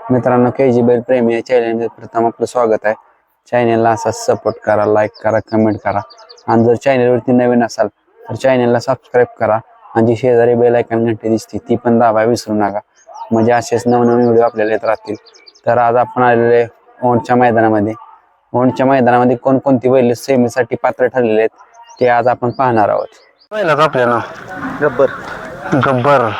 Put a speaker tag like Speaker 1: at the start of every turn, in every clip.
Speaker 1: मित्रांनो, KG बैल प्रेमी या चॅनलमध्ये प्रथम आपलं स्वागत आहे. चॅनलला असा सपोर्ट करा, लाईक करा, कमेंट करा आणि जर चॅनलवरती नवीन असाल तर चॅनलला सबस्क्राईब करा आणि जी शेजारी बेल आयकॉन घंटी दिसते ती पण दाबायला विसरू नका, म्हणजे असेच नवनवीन व्हिडिओ आपल्याला येत राहतील. तर आज आपण आलेले औंधच्या मैदानामध्ये कोणकोणती बैल सेमीसाठी पात्र ठरलेले आहेत ते आज आपण पाहणार आहोत.
Speaker 2: पहिलाच आपल्याला गब्बर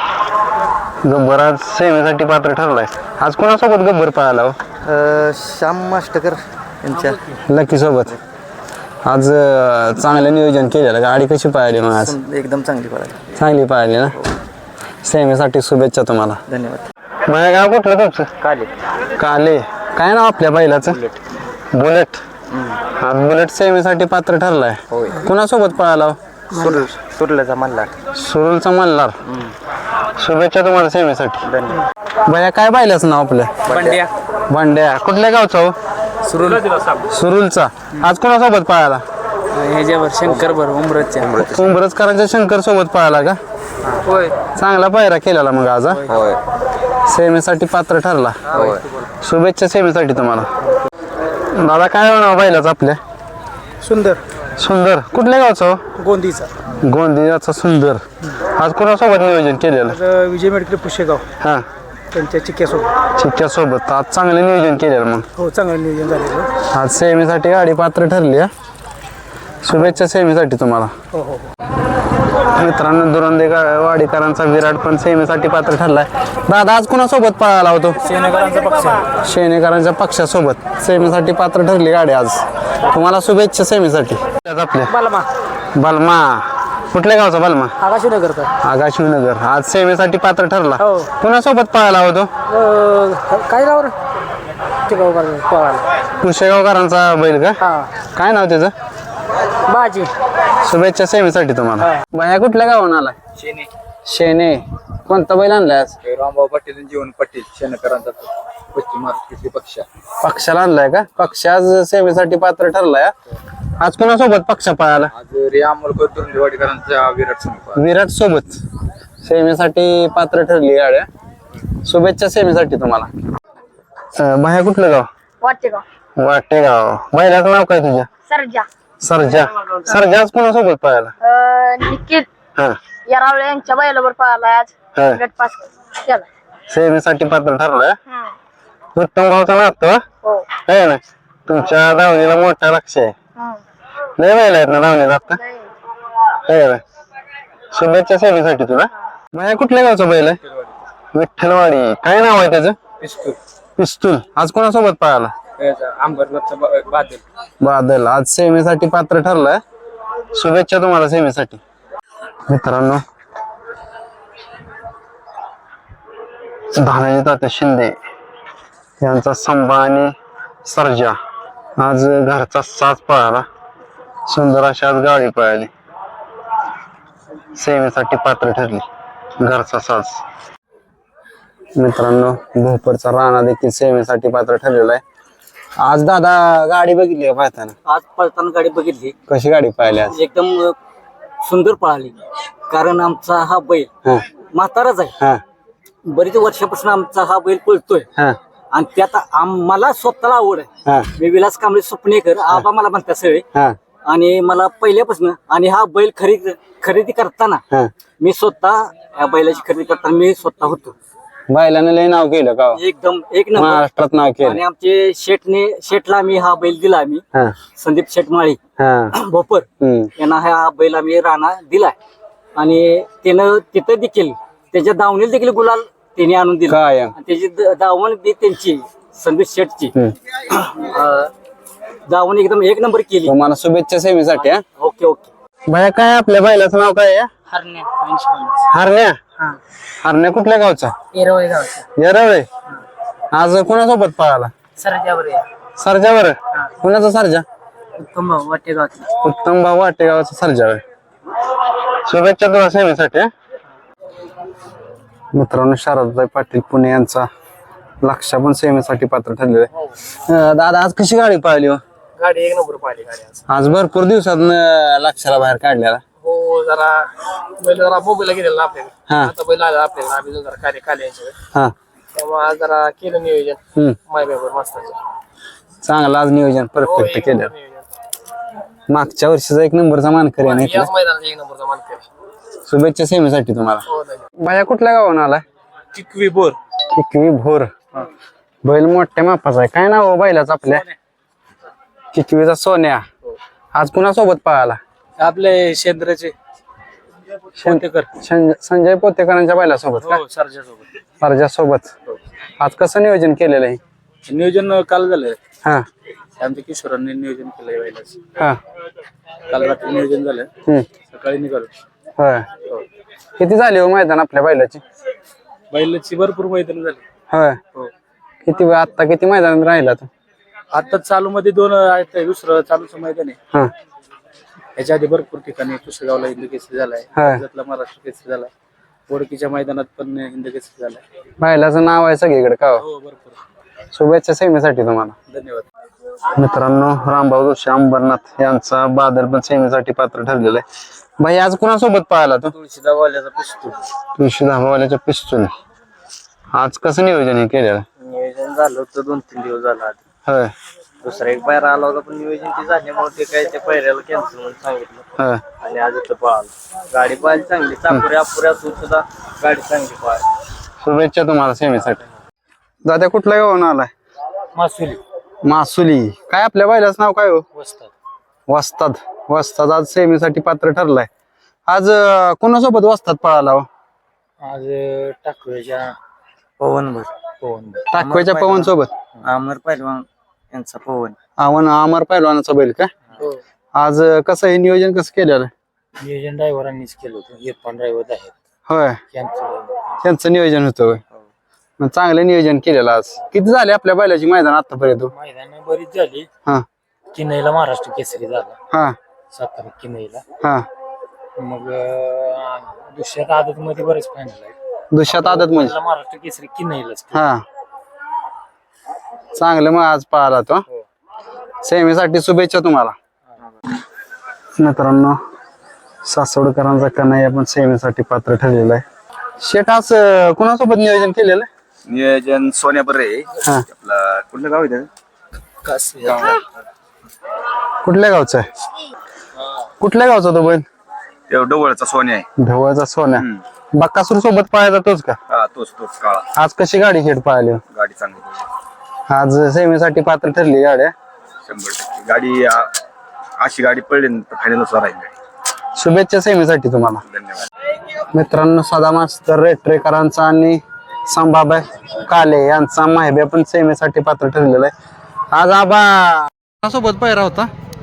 Speaker 2: आज सेवेसाठी पात्र ठरलाय. आज कोणासोबत गब्बर पळाला हो?
Speaker 3: श्याम मास्टकर यांच्या
Speaker 2: लकी सोबत. आज चांगलं नियोजन केलेलं. गाडी कशी पळाली मग आज?
Speaker 3: एकदम चांगली पळाली.
Speaker 2: चांगली पळाली ना. सेवेसाठी शुभेच्छा तुम्हाला.
Speaker 3: धन्यवाद.
Speaker 2: माझ्या गाव कुठलं तुमचं? काले. काय नाव आपल्या बैलाचं? बुलेट. आज बुलेट सेवेसाठी पात्र ठरलाय. कोणासोबत पळाला हो?
Speaker 3: सुरल्याचा मल्हार.
Speaker 2: सुरुलचा मल्हार. शुभेच्छा तुम्हाला सेवेसाठी.
Speaker 3: धन्यवाद.
Speaker 2: भैया काय पाहिल्याचं नाव आपल्या? भांड्या. कुठल्या गावचा हो? सुरुलचा. आज कोणासोबत पळाला?
Speaker 3: ह्याच्यावर शंकर बरोबर
Speaker 2: उंबरजकरांच्या शंकर सोबत पळाला का?
Speaker 3: होय.
Speaker 2: चांगला पायरा केलेला मग आज. सेवेसाठी पात्र ठरला. शुभेच्छा सेवेसाठी तुम्हाला. दादा काय नाव बैलाचं आपल्या? सुंदर. कुठल्या गावचा हो? गोंदियाचा सुंदर. आज कोणासोबत नियोजन केलेलं?
Speaker 4: विजय मेडिकल पुशेगाव
Speaker 2: हा,
Speaker 4: त्यांच्या चिक्क्यासोबत.
Speaker 2: चिक्क्यासोबत. आज चांगलं नियोजन केलेलं मग.
Speaker 4: हो, चांगलं नियोजन झालेलं.
Speaker 2: आज सेमीसाठी गाडी पात्र ठरली. शुभेच्छा सेमीसाठी तुम्हाला.
Speaker 4: हो.
Speaker 2: मित्रांनो, दुरंदे वाडीकरांचा विराट पण सेमीसाठी पात्र ठरलाय. दादा आज कोणासोबत पळाला होतो? शेणेकरांच्या पक्षासोबत सेमीसाठी पात्र ठरली गाडी आज. तुम्हाला शुभेच्छा सेमीसाठी. आपल्या बलमा. कुठल्या गावचा बलमा? आकाशनगर. आज सेमीसाठी पात्र ठरला. कुणासोबत पळाला होतो?
Speaker 4: काय नाव रे?
Speaker 2: पुशेगावकरांचा बैल का? काय नाव त्याचं?
Speaker 4: बाजी.
Speaker 2: शुभेच्छा सेमीसाठी तुम्हाला. बाया कुठल्या गावून आला? शेने. कोणता बैल आणलाय आज?
Speaker 3: रामभाऊ पाटील, जीवन पाटील, शेणकरांचा पश्चिम महाराष्ट्रातील
Speaker 2: पक्षाला आणलाय का? पक्ष आज सेमीसाठी पात्र ठरलाय. आज कोणासोबत पक्ष पळाला?
Speaker 3: आज अमोलकर दुरंदेवाडीकरांचा
Speaker 2: विराट सोबत सेमीसाठी पात्र ठरली गाड्या. शुभेच्छा सेमीसाठी तुम्हाला. बाया कुठलं गाव? वाटेगाव. बैलाचं नाव काय तुझ्या? सरजा. आज कोणासोबत पळाला?
Speaker 5: निखिल
Speaker 2: हा,
Speaker 5: यारावळे यांच्या बैलावर पळाला आज.
Speaker 2: हा.
Speaker 5: गट पास केला.
Speaker 2: सेमीसाठी पात्र ठरलाय. उत्तम गावचा नातो
Speaker 5: हो.
Speaker 2: आहे ना. तुमच्या धावणीला मोठा लक्ष आहे. लय बैल आहेत ना धावणीला आता. आहे ना. शुभेच्छा सेमीसाठी तुला. माझ्या कुठल्या गावचा बैल आहे? विठ्ठलवाडी. काय नाव आहे त्याचं? पिस्तूल. आज कोणासोबत पळाला? बादल. आज सेमीसाठी पात्र ठरलाय. शुभेच्छा तुम्हाला सेमीसाठी. मित्रांनो, धानाजी तात्या शिंदे यांचा संभा आणि सर्जा आज घरचा साज पळाला. सुंदर अशी आज गाडी पळाली. सेवेसाठी पात्र ठरली. घरचा साज. मित्रांनो, भोपरचा राणा देखील सेवेसाठी पात्र ठरलेला आहे. आज दादा गाडी बघितली का पाहताना?
Speaker 6: आज पळताना गाडी बघितली.
Speaker 2: कशी गाडी पळाली आज?
Speaker 6: एकदम सुंदर पळाली. कारण आमचा हा बैल म्हाताराच आहे. बरीच वर्षापासून आमचा हा बैल पळतोय आणि त्यात मला स्वतःला आवड आहे. मी विलास कांबळे स्वप्नेकर आबा मला म्हणतात सगळे. आणि मला पहिल्यापासून आणि हा बैल खरेदी करताना मी स्वतः या बैलाची खरेदी करताना मी स्वतः होतो.
Speaker 2: बैलाने लय नाव केलं का?
Speaker 6: एकदम एक नंबर
Speaker 2: महाराष्ट्रात नाव केलं.
Speaker 6: आणि आमचे शेठला मी हा बैल दिला. आम्ही संदीप शेठमाळी भोपर यांना हा बैल आम्ही राणा दिलाय. आणि त्यानं तिथं देखील त्याच्या दावणीला देखील गुलाल त्याने आणून दिला. त्याची दावण बी त्यांची संदीप शेठची दावण एकदम एक नंबर केली.
Speaker 2: तुम्हाला शुभेच्छा सेवेसाठी.
Speaker 6: ओके.
Speaker 2: भैया काय आपल्या बैलाचं नाव काय आहे? हरण्या. कुठल्या गावचा? येरवळे. आज कोणासोबत पळाला? सरजावर. कोणाचा सरजा? उत्तम भाऊ वाटेगावचा सरजावर. शुभेच्छा तुला सेवेसाठी. मित्रांनो, शारदाताई पाटील पुणे यांचा लक्ष पण सेवेसाठी पात्र ठरलेलं आहे. दादा आज कशी गाडी पळाली?
Speaker 4: गाडी एक नंबर पाहिली गाडी
Speaker 2: आज भरपूर दिवसात लक्षाला बाहेर काढलेला.
Speaker 4: हो, जरा बैल मुंबईला गेलेला आपल्याकडे. आता बैल आला आपल्याकडे. आम्ही जरा कार्य खाली
Speaker 2: हा
Speaker 4: त्यामुळे आज जरा केलं नियोजन
Speaker 2: हम्म.
Speaker 4: मायबाबर मस्ताचं.
Speaker 2: चांगलं आज नियोजन परफेक्ट केलं. मागच्या वर्षीचा एक नंबरचा मानकरी आहे
Speaker 4: याच मैदानाचा एक नंबरचा मानकरी.
Speaker 2: शुभेच्छा सेमीसाठी तुम्हाला.
Speaker 4: हो धन्यवाद.
Speaker 2: बाया कुठल्या गावाहून आलाय?
Speaker 3: टिकवी बोर
Speaker 2: किकवी भोर. बैल मोठ्या मापाचा आहे. काय नाव बैलाच आपल्या? किकवीचा सोन्या. आज कुणासोबत पळाला?
Speaker 3: आपले शेंद्राचे
Speaker 2: संजय पोतेकरांच्या बैलासोबत का?
Speaker 3: सरजासोबत
Speaker 2: अर्जा सोबत. आज कसं नियोजन केलेलं आहे?
Speaker 3: नियोजन काल झालं.
Speaker 2: हा
Speaker 3: आमच्या किशोरांनी नियोजन केलंय बैलाच.
Speaker 2: हा
Speaker 3: काल रात्री नियोजन झालं.
Speaker 2: हम्म.
Speaker 3: सकाळी निघालो.
Speaker 2: होय. किती झाली हो मैदान आपल्या बैलाची?
Speaker 3: बैलाची भरपूर मैदान झाली.
Speaker 2: होय.
Speaker 3: हो.
Speaker 2: किती आता किती मैदान राहिला तू?
Speaker 3: आता चालू मध्ये 2 आहेत. दुसरं चालूचं मैदान आहे.
Speaker 2: हा
Speaker 3: याच्या आधी भरपूर ठिकाणी पुसेगावला हिंद केसरी झालाय.
Speaker 2: हा.
Speaker 3: राज्यातला महाराष्ट्र केसरी झालाय. बोडकीच्या मैदानात पण हिंद केसरी झालाय.
Speaker 2: बैलाचं नाव आहे सगळीकडे का हो?
Speaker 3: हो भरपूर.
Speaker 2: शुभेच्छा सेमीसाठी तुम्हाला.
Speaker 3: धन्यवाद.
Speaker 2: मित्रांनो, रामभाऊ जोशी अंबरनाथ यांचा बादल पण सेमीसाठी पात्र ठरलेला आहे. भाई आज कुणासोबत पाहिला तू?
Speaker 3: तुळशीदावाल्याचा पिस्तूल.
Speaker 2: तुळशी धाबावाल्याच्या पिस्तूल. आज कसं नियोजन हे केलेलं?
Speaker 6: नियोजन झालं होतं 2-3 दिवस झाला आधी.
Speaker 2: होय.
Speaker 6: दुसरा एक पायरा आला होता पण नियोजन ते झाल्यामुळे ते काय त्या पायऱ्याला कॅन्सल म्हणून सांगितलं
Speaker 2: होय.
Speaker 6: आणि आज इथं पळालं. गाडी पाहिली चांगली, चापुऱ्या अपुऱ्या सुद्धा गाडी चांगली पळाली.
Speaker 2: शुभेच्छा तुम्हाला सेमीसाठी. दादा कुठल्या गावाहून आलाय?
Speaker 3: मासुली.
Speaker 2: मासुली. काय आपल्या बैलाचं नाव काय हो?
Speaker 3: वस्ताद.
Speaker 2: वस्ताद. वस्ताद आज सेमीसाठी पात्र ठरलाय. आज कोणासोबत वस्ताद पळाला हो?
Speaker 6: आज टाकव्याच्या पवन
Speaker 2: टाकव्याच्या पवन सोबत.
Speaker 6: अमर पहिलवान यांचा पवन.
Speaker 2: अमर पहिलवानाचा बैल का? आज कसं हे नियोजन कसं केलेलं?
Speaker 6: नियोजन ड्रायव्हरांनीच केलं होतं. इरफान ड्रायव्हर आहेत
Speaker 2: होय.
Speaker 6: त्यांचं
Speaker 2: त्यांचं नियोजन होतं होय. मग चांगलं नियोजन केलेलं आज. किती झाले आपल्या बैलाची मैदान आतापर्यंत?
Speaker 6: मैदान बरीच झाली.
Speaker 2: हा
Speaker 6: किनईला महाराष्ट्र केसरी झाला.
Speaker 2: हा
Speaker 6: सातारा किनईला.
Speaker 2: हा.
Speaker 6: मग दुसऱ्या आदत मध्ये बरेच फायनल आहे.
Speaker 2: दुष्यात आदत म्हणजे
Speaker 6: महाराष्ट्र केसरी किनईलाच.
Speaker 2: हा. चांगलं मग आज पाहिला तो. सेमीसाठी शुभेच्छा तुम्हाला. मित्रांनो, सासवडकरांचा कन्हैया पण सेमीसाठी पात्र ठरलेला आहे. शेट आज कुणासोबत नियोजन केलेलं आहे?
Speaker 3: नियोजन सोन्या बरे.
Speaker 2: हा.
Speaker 3: आपला कुठलं गाव आहे?
Speaker 2: कुठल्या गावचा आहे? कुठल्या गावचा तो बैल?
Speaker 3: डवळचा सोन्या आहे.
Speaker 2: ढवळचा सोन्या. बक्कासूर सोबत पाहायचा तोच का?
Speaker 3: हा तोच काळा.
Speaker 2: आज कशी गाडी शेट पाहिली?
Speaker 3: गाडी चांगली.
Speaker 2: आज सेमीसाठी पात्र ठरली गाड्या.
Speaker 3: 100% गाडी अशी गाडी पडली तर फायनलच राहील गाडी.
Speaker 2: शुभेच्छा सेमीसाठी तुम्हाला.
Speaker 3: धन्यवाद.
Speaker 2: मित्रांनो, सदा मास्तर रेटरेकरांचा आणि संभाबाई काले यांचा माहिबे पण सेमीसाठी पात्र ठरलेला आहे. आज आबा सोबत पायरा होता.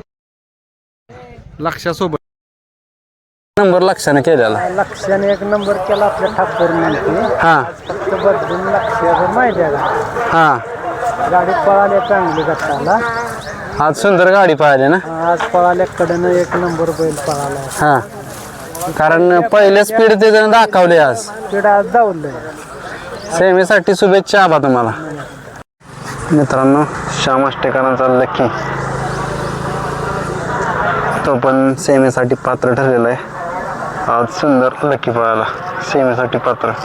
Speaker 2: लक्षासोबत नंबर लक्षाने केलेला.
Speaker 4: लक्षाने एक नंबर केला आपल्या ठाकूर म्हणते.
Speaker 2: हा
Speaker 4: फक्त बदलून लक्ष माहिती आहे का?
Speaker 2: हा.
Speaker 4: गाडी पळाल्या चांगली गटाला.
Speaker 2: आज सुंदर गाडी पाहिली ना.
Speaker 4: आज पळाल्याकडनं एक नंबर बैल पळाला.
Speaker 2: हा. कारण पहिले स्पीड ते जण दाखवले आज.
Speaker 4: स्पीड आज धावलंय.
Speaker 2: सेमीसाठी शुभेच्छा आबा तुम्हाला. मित्रांनो, श्याम आष्टेकरांचा लकी तो पण सेमीसाठी पात्र ठरलेला आहे. आज सुंदर लकी पळाला सेमीसाठी पात्र.